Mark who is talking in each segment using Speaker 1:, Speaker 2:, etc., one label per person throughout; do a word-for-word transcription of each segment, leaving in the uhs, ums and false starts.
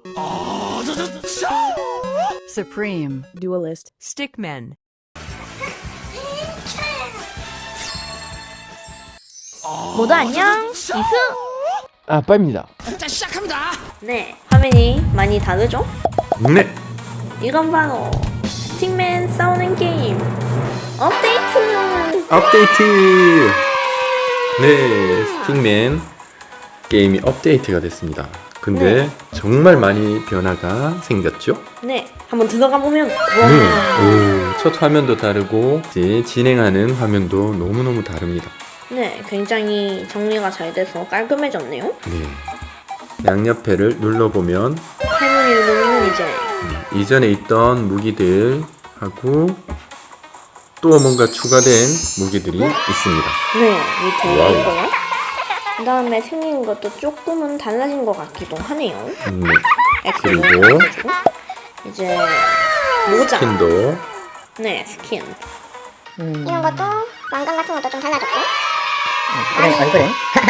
Speaker 1: Supreme,
Speaker 2: Duelist,
Speaker 3: Stickmen.
Speaker 4: 모두 안녕, 이수.
Speaker 5: 아빠입니다.
Speaker 4: 네, 화면이 많이 다르죠?
Speaker 5: 네.
Speaker 4: 이건 바로 스틱맨 싸우는 게임 업데이트.
Speaker 5: 업데이트. 네, 스틱맨 게임이 업데이트가 됐습니다. 근데
Speaker 4: 네.
Speaker 5: 정말 많이 변화가 생겼죠?
Speaker 4: 네, 한번 들어가 보면
Speaker 5: 네. 오, 첫 화면도 다르고 이제 진행하는 화면도 너무너무 다릅니다.
Speaker 4: 네, 굉장히 정리가 잘 돼서 깔끔해졌네요.
Speaker 5: 네. 양옆에를 눌러보면
Speaker 4: 할머니를 누르면 이제
Speaker 5: 음, 이전에 있던 무기들하고 또 뭔가 추가된 무기들이 있습니다.
Speaker 4: 네, 밑에
Speaker 5: 와우.
Speaker 4: 있고요. 그 다음에 생긴 것도 조금은 달라진 것 같기도 하네요.
Speaker 5: 음, 네.
Speaker 4: 엑스로
Speaker 5: 그리고
Speaker 4: 해가지고. 이제 모자.
Speaker 5: 스킨도
Speaker 4: 네, 스킨.
Speaker 6: 이런 것도 왕관 같은 것도 좀 달라졌고
Speaker 7: 그런 얼굴은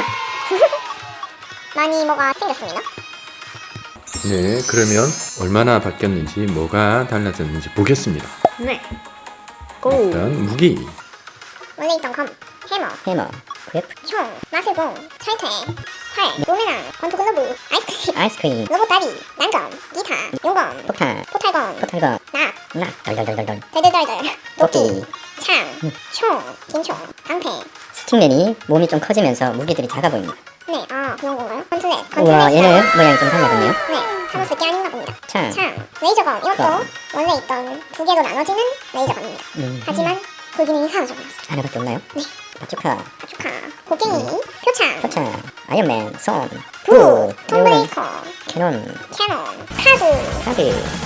Speaker 6: 많이 뭐가 생겼습니다.
Speaker 5: 네, 그러면 얼마나 바뀌었는지 뭐가 달라졌는지 보겠습니다.
Speaker 4: 네. 고.
Speaker 5: 일단 무기.
Speaker 6: 원래 있던 검, 해머,
Speaker 7: 해머, 그래프,
Speaker 6: 총, 마술봉, 철퇴, 활, 로메랑, 권투글러브, 아이스크림,
Speaker 7: 아이스크림,
Speaker 6: 로봇다리, 난검, 기타, 용검,
Speaker 7: 폭탄,
Speaker 6: 포탈검,
Speaker 7: 포탈검,
Speaker 6: 낙,
Speaker 7: 락, 덜덜덜덜덜.
Speaker 6: 덜덜덜덜, 도끼,
Speaker 7: 도끼.
Speaker 6: 창, 총, 긴총, 방패.
Speaker 7: 스틱맨이 몸이 좀 커지면서 무기들이 작아 보입니다.
Speaker 6: 네, 아 그런 건가요? 컨틀렛,
Speaker 7: 우와,
Speaker 6: 컨틀렛.
Speaker 7: 얘는 모양이 좀 달라졌네요.
Speaker 6: 네, 하고 쓸게 아닌가 봅니다.
Speaker 7: 창,
Speaker 6: 창, 레이저검, 이것도
Speaker 7: 검.
Speaker 6: 원래 있던 두 개로 나눠지는 레이저검입니다.
Speaker 7: 음,
Speaker 6: 하지만 그 기능이 사라져버렸어요.
Speaker 7: 하나밖에 없나요?
Speaker 6: 네.
Speaker 7: 바주카,
Speaker 6: 축하, 곡괭이, 표창,
Speaker 7: 포차, 아이언맨, 손,
Speaker 6: 부,
Speaker 7: 부,
Speaker 6: 톰브레이커,
Speaker 7: 캐논,
Speaker 6: 캐논, 카드.
Speaker 7: 카드.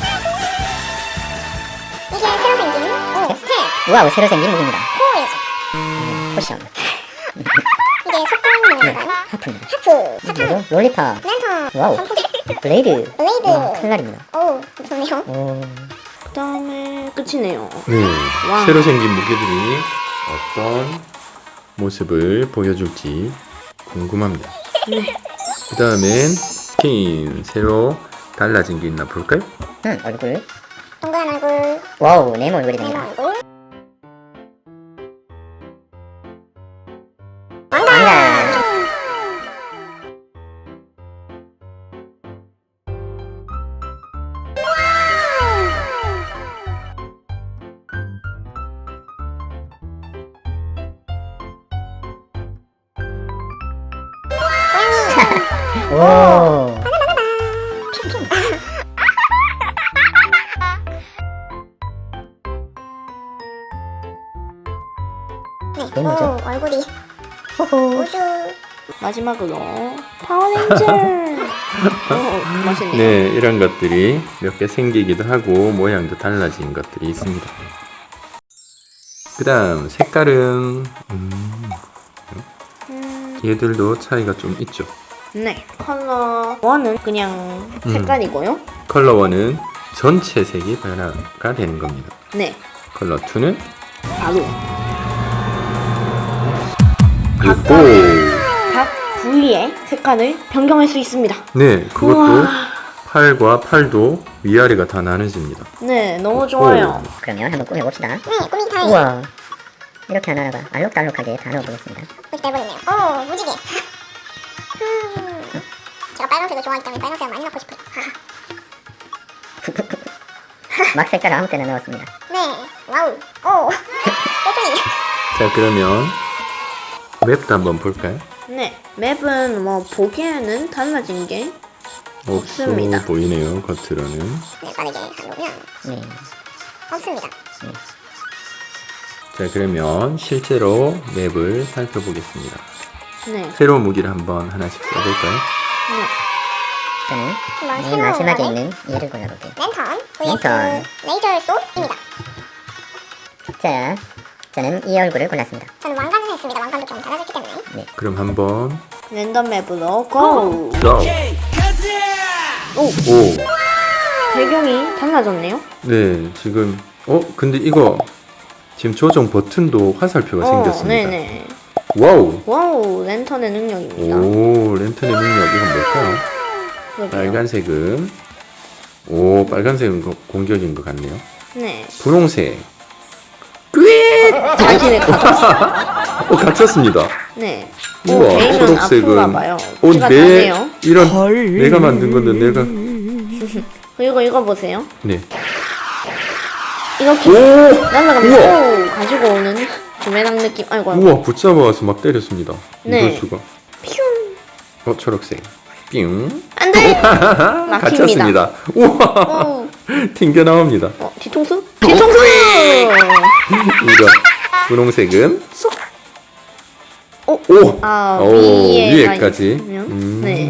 Speaker 6: 이게 새로 생긴 오, 스텝,
Speaker 7: 우와우, 새로 생긴 무기입니다.
Speaker 6: 포이즈.
Speaker 7: 포션,
Speaker 6: 이게 속도는 뭐인가요?
Speaker 7: 하프입니다.
Speaker 6: 하프, 사탕,
Speaker 7: 그리고 롤리팝,
Speaker 6: 랜턴,
Speaker 7: 와우.
Speaker 6: 선풍기.
Speaker 7: 블레이드,
Speaker 6: 블레이드.
Speaker 7: 와, 칼날입니다.
Speaker 6: 오, 무섭네요.
Speaker 7: 오,
Speaker 4: 그 다음에 끝이네요.
Speaker 5: 네,
Speaker 4: 와.
Speaker 5: 새로 생긴 무기들이 어떤 모습을 보여줄지 궁금합니다.
Speaker 4: 네.
Speaker 5: 그 다음엔 스킨 새로 달라진 게 있나 볼까요?
Speaker 7: 음, 얼굴.
Speaker 6: 동그란 얼굴,
Speaker 7: 와우, 네모 얼굴이
Speaker 6: 네모
Speaker 7: 됩니다.
Speaker 6: 얼굴.
Speaker 7: 왕관. 오,
Speaker 6: 네,
Speaker 7: 네, 뭐죠?
Speaker 6: 오, 얼굴이
Speaker 7: 호호.
Speaker 6: 우주.
Speaker 4: 마지막으로 파워레인저. 오, 멋있네요.
Speaker 5: 네, 이런 것들이 몇 개 생기기도 하고 모양도 달라진 것들이 있습니다. 그 다음 색깔은 음,
Speaker 4: 음,
Speaker 5: 얘들도 차이가 좀 있죠.
Speaker 4: 네. 컬러 원은 그냥
Speaker 5: 음.
Speaker 4: 색깔이고요.
Speaker 5: 컬러 원은 전체 색이 변화가 되는 겁니다.
Speaker 4: 네.
Speaker 5: 컬러 투는
Speaker 4: 바로
Speaker 5: 그리고
Speaker 4: 각 부위의 색깔을 변경할 수 있습니다.
Speaker 5: 네, 그것도
Speaker 4: 우와.
Speaker 5: 팔과 팔도 위아래가 다 나눠집니다.
Speaker 4: 네, 너무 좋아요.
Speaker 7: 그러면 한번 꾸며봅시다.
Speaker 6: 네, 꾸미기 타임.
Speaker 7: 우와, 이렇게 하나하나가 알록달록하게 다 넣어보겠습니다.
Speaker 6: 이렇게 해버렸네요. 오, 무지개. 음, 제가 빨간색을 좋아하기 때문에 빨간색을 많이 넣고 싶어요.
Speaker 7: 막 색깔을 아무 때나 넣었습니다.
Speaker 6: 네, 와우. 오, 뽀뽀이.
Speaker 5: 자, 그러면 맵도 한번 볼까요?
Speaker 4: 네, 맵은 뭐 보기에는 달라진 게
Speaker 5: 없어
Speaker 4: 없습니다.
Speaker 5: 보이네요, 겉으로는.
Speaker 6: 네, 빠르게 가보면
Speaker 7: 네.
Speaker 6: 없습니다.
Speaker 5: 자, 그러면 실제로 맵을 살펴보겠습니다.
Speaker 4: 네,
Speaker 5: 새로운 무기를 한번 하나씩 써볼까요?
Speaker 4: 네.
Speaker 7: 저는
Speaker 6: 한번
Speaker 7: 맨
Speaker 6: 새로운
Speaker 7: 마지막에
Speaker 6: 거는
Speaker 7: 있는 얘를 골라볼게요.
Speaker 6: 랜턴 vs
Speaker 7: 랜턴.
Speaker 6: 레이저 쏘입니다.
Speaker 7: 자, 저는 이 얼굴을 골랐습니다.
Speaker 6: 저는 왕관을 했습니다. 왕관도 좀 달라졌기 때문에.
Speaker 5: 그럼 한번
Speaker 4: 랜덤 맵으로 고!
Speaker 5: 고!
Speaker 4: 오,
Speaker 5: 오!
Speaker 4: 배경이 달라졌네요.
Speaker 5: 네, 지금 어? 근데 이거 지금 조정 버튼도 화살표가 생겼습니다.
Speaker 4: 네네.
Speaker 5: 와우!
Speaker 4: 와우, 랜턴의 능력입니다.
Speaker 5: 오, 랜턴의 능력 이건 뭘까요?
Speaker 4: 그러게요.
Speaker 5: 빨간색은 오, 빨간색은 거- 공격인 것 같네요.
Speaker 4: 네.
Speaker 5: 분홍색. 꽤!
Speaker 4: 자신의 가
Speaker 5: 어, 갇혔습니다.
Speaker 4: 네. 오,
Speaker 5: 우와,
Speaker 4: 베이션
Speaker 5: 초록색은.
Speaker 4: 아픈가 봐요.
Speaker 5: 어,
Speaker 4: 피가
Speaker 5: 내,
Speaker 4: 나네요.
Speaker 5: 이런, 내가 만든 건데, 내가.
Speaker 4: 그리고 이거 보세요.
Speaker 5: 네.
Speaker 4: 이렇게
Speaker 5: 오!
Speaker 4: 날아가면
Speaker 5: 우와!
Speaker 4: 오 가지고 오는 부메랑 느낌. 아이고, 아이고.
Speaker 5: 우와, 붙잡아와서 막 때렸습니다.
Speaker 4: 네.
Speaker 5: 이럴 수가.
Speaker 4: 퓨.
Speaker 5: 어, 초록색. 삥.
Speaker 4: 안 돼! 막힙니다.
Speaker 5: 갇혔습니다. 우와!
Speaker 4: 오.
Speaker 5: 튕겨 나옵니다.
Speaker 4: 어, 뒤통수? 뒤통수!
Speaker 5: 이거. 분홍색은. 쏙!
Speaker 4: 오!
Speaker 5: 오!
Speaker 4: 아,
Speaker 5: 오,
Speaker 4: 위에가
Speaker 5: 위에까지.
Speaker 4: 있으면?
Speaker 5: 음.
Speaker 4: 네.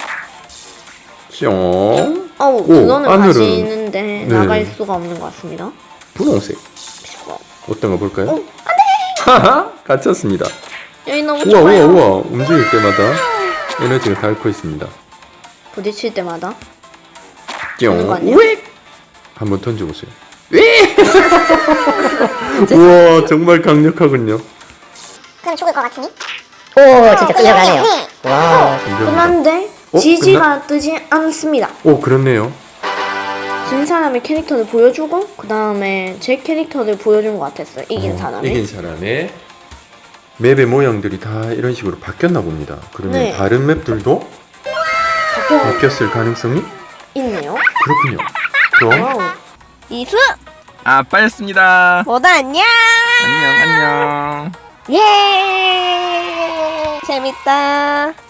Speaker 5: 뿅.
Speaker 4: 어우,
Speaker 5: 오,
Speaker 4: 그거는
Speaker 5: 안으로는-
Speaker 4: 가시는데
Speaker 5: 네.
Speaker 4: 나갈 수가 없는 것 같습니다.
Speaker 5: 분홍색. 어떤 거 볼까요?
Speaker 4: 오,
Speaker 5: 하하! 갇혔습니다.
Speaker 4: 여기 너무
Speaker 5: 우와, 우와,
Speaker 4: 좋아요.
Speaker 5: 우와. 움직일 때마다 에너지가 닳고 있습니다.
Speaker 4: 부딪힐 때마다.
Speaker 5: 뿅.
Speaker 4: 되는 거 아니에요?
Speaker 5: 왜? 한번 던져보세요. 왜? 우와, 정말 강력하군요.
Speaker 6: 그럼 죽을 것 같으니?
Speaker 7: 오, 진짜 끌려가네요.
Speaker 6: 네.
Speaker 7: 와,
Speaker 4: 그런데
Speaker 5: 어?
Speaker 4: 지지가 뜨지 않습니다.
Speaker 5: 오, 그렇네요.
Speaker 4: 진 사람의 캐릭터를 보여주고 그 다음에 제 캐릭터를 보여준 것 같았어요. 이긴
Speaker 5: 어,
Speaker 4: 사람이.
Speaker 5: 이긴 사람의 맵의 모양들이 다 이런 식으로 바뀌었나 봅니다. 그러면
Speaker 4: 네.
Speaker 5: 다른 맵들도
Speaker 4: 바뀌어
Speaker 5: 바뀌었을 가능성이
Speaker 4: 있네요.
Speaker 5: 그렇군요. 그럼
Speaker 4: 와우. 이수
Speaker 1: 아빠였습니다.
Speaker 4: 모두 안녕.
Speaker 1: 안녕, 안녕.
Speaker 4: 예. 재밌다.